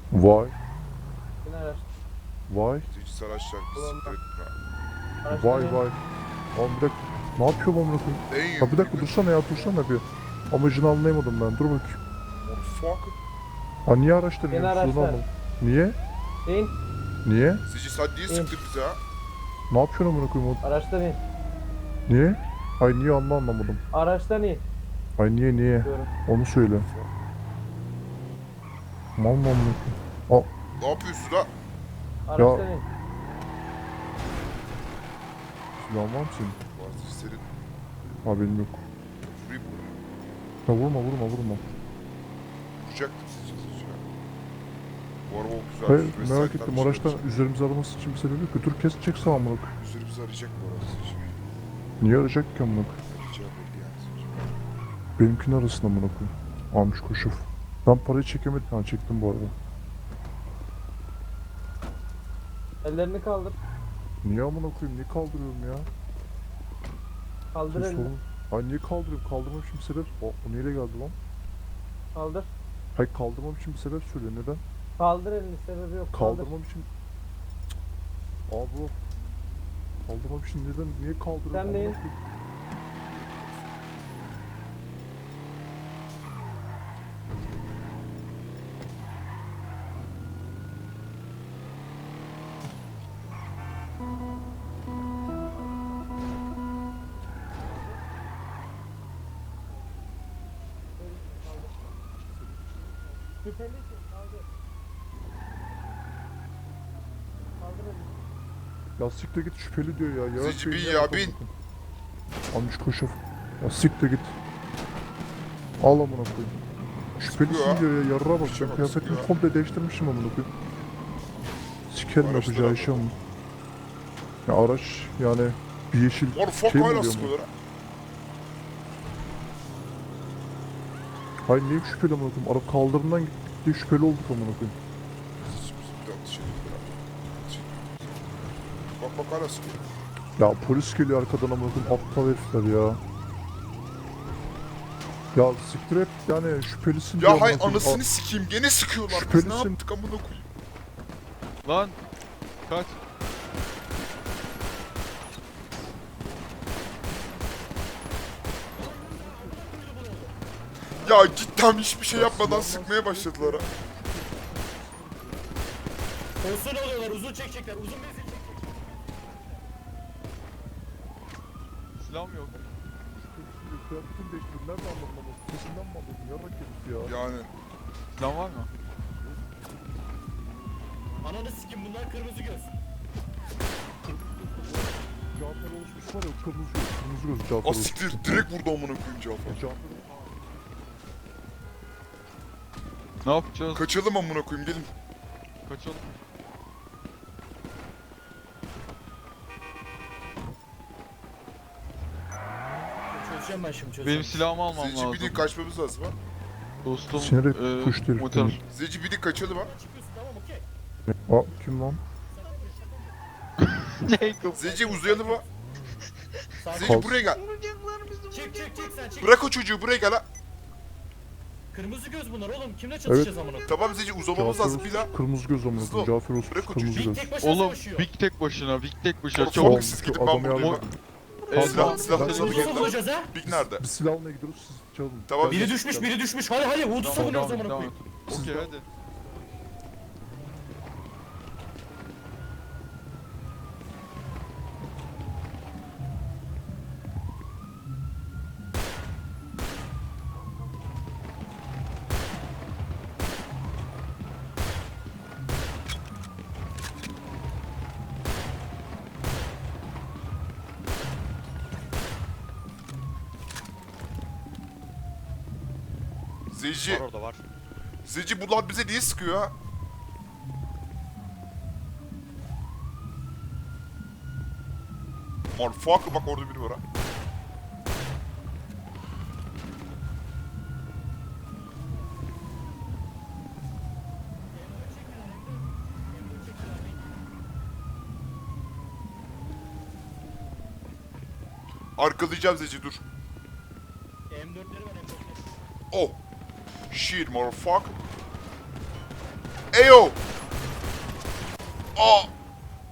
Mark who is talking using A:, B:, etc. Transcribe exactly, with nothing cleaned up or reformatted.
A: Vay.
B: Yine araç.
A: Vay.
C: Zeci araçlar siktir etme.
B: Araçtan
A: Vay
B: in.
A: vay. Lan bir dakika. Ne yapıyor bu amına koyayım?
C: Damn.
A: Ha bir dakika dursana ya dursana bir. Amacını anlayamadım ben. Dur bakayım.
C: Motherfucker.
A: Ha niye araçtan
B: Yeni
A: iniyorsun? Onu
B: araçlar.
A: anlamadım. Niye?
B: İn.
A: Niye?
C: Zeci sen niye
B: İn.
C: sıktın bize ha?
A: Ne yapıyorsun amına koyayım? o-
B: Araçtan in.
A: Niye? Ay niye anla anlamadım.
B: Araçtan in.
A: Ay niye niye?
B: Diyorum.
A: Onu söyle. Mal mı amına koyayım?
C: Ne yapıyorsun ha?
B: Araçtan in.
A: Silahın var mı senin?
C: Var Zeci senin.
A: Ha benim yok.
C: Vurayım mı?
A: Ha vurma vurma vurma.
C: Vuracaktım Zeci Zeci ya. Bu araba o güzel.
A: Hayır
C: Üstüne
A: merak
C: sahipten
A: ettim
C: bir şey
A: araçtan
C: yapacak.
A: üzerimize araması için bir sebebi yok. Dur kesecekse amına koyayım.
C: Üzerimizi arayacak bu arada Zeci.
A: Niye arayacak ki amına koyayım?
C: Arayacağı belli yani Zeci.
A: Benimkinin arasında amına koyayım. Almış koşuf. Ben parayı çekemedim. Ha çektim bu arada.
B: Ellerini kaldır.
A: Niye amına koyayım? Niye kaldırıyorum ya?
B: Kaldır
A: Sus
B: elini.
A: oğlum. Ay niye kaldırıyorum? Kaldırmam için bir sebep. O, o neyle geldi lan?
B: Kaldır.
A: Hayır kaldırmam için bir sebep söyle. Neden?
B: Kaldır elini. Sebebi yok. Kaldır.
A: Kaldırmam için... Cık. Aa bu. Kaldırmam için neden? Niye kaldırıyorum?
B: Sen
A: amına
B: neyin?
A: koyayım?
B: Şüphelisin. Kaldır. Kaldır elini.
A: Ya siktir git şüpheli diyor ya. Ya
C: Zeci bin ya, bin.
A: Almış koşuf. Ya siktir git. Al amına koyayım. Şüphelisin
C: Sıkıyor ha.
A: diyor ya. Yarra bak.
C: İşe
A: Ben
C: bak,
A: kıyafetimi
C: sıkıyor ha.
A: komple değiştirmişim amına koyayım. Sikerim
C: Araçlara
A: yapacağı
C: bak.
A: işi ama. Ya araç yani bir yeşil
C: Motherfucker
A: şey mi
C: hala
A: oluyor mu?
C: sıkıyorlar ha.
A: Hayır niye şüpheli amına koyayım? Araba kaldırımdan gitti şüpheli olduk amına koyayım.
C: Zeci bizim bir yanlış şey yapıyor ha. Zeci. Bak bak hala sıkıyor.
A: Ya polis geliyor arkadan amına koyayım. Aptal herifler ya. Ya siktir et yani şüphelisin diyor
C: Ya hay
A: amına koyayım.
C: anasını
A: Aa,
C: sikeyim gene sıkıyorlar. Biz ne
A: Şüphelisin.
C: yaptık amına koyayım.
D: Lan kaç.
C: Ya cidden hiçbir şey yapmadan sıkmaya başladılar ha.
E: Uzun oluyorlar, uzun çekecekler, uzun menzil çekecekler.
D: Silahım yok.
A: Kıyafetini değiştirdim. Nerede anladın ama? Sesinden mi anladın? Yarrak herif ya.
C: Yani
D: Silah var mı?
E: Ananı sikim, bunlar kırmızı göz.
A: Cafer oluşmuş var ya kırmızı göz. Kırmızı göz Cafer oluşmuş.
C: asiktir direkt vurdu amına koyayım Cafer.
A: Cafer
D: Ne yapacağız?
C: Kaçalım amına koyayım gelin.
D: Kaçalım.
E: Çözeceğim ben şimdi, çözeceğim.
D: Benim silahımı almam
C: Zeci
D: lazım.
C: bir de kaçmamız lazım ha.
D: Dostum
A: Sinirli
D: eee,
A: kuş herif
D: motor.
A: benim.
C: Zeci bir de kaçalım ha.
E: Çıkıyorsun, tamam okey.
A: Aa kim lan?
D: Ne kapı?
C: Zeci uzayalım ha.
E: Sakin.
C: Zeci buraya gel.
E: Çık çık çık sen çık.
C: Bırak o çocuğu buraya gel ha.
E: Kırmızı göz bunlar oğlum, kimle çatışacağız amına?
C: Tamam Zeci uzamamız
A: Cafer
C: lazım bir daha.
A: oluşmuş. Kırmızı göz amına
C: Hızlı
A: koyayım.
C: ol.
A: Cafer oluşmuş.
C: Bırak o
A: Kırmızı
C: çocuğu.
A: göz.
E: Tek başına
D: Oğlum
E: savaşıyor.
D: Big tek başına, Big tek başına.
C: Oğlum,
D: Çabuk.
C: Çok siz gidin ben
A: Adamı
C: buradayım.
A: yardım-
D: Eee,
C: Silah-
D: tamam,
C: silahları
D: sen-
C: alıp
E: Nasıl
C: gelin.
E: bulacağız ha?
C: Big nerede?
A: Biz silahla gidiyoruz siz çalın.
C: Tamam,
E: Biri
C: Zeci.
E: düşmüş, biri düşmüş. Hadi hadi, Wood'u
D: Tamam,
E: savunuyoruz
D: devam et,
E: amına
D: devam
E: koyayım.
D: et. Okey hadi.
C: Zeci.
E: Var orada var.
C: Zeci bunlar bize niye sıkıyor ha? Motherfucker bak orada biri var ha. Arkalayacağım Zeci dur.
E: M dörtleri var, M dörtleri.
C: Oh. Shit motherfucker. Eyo. Aa.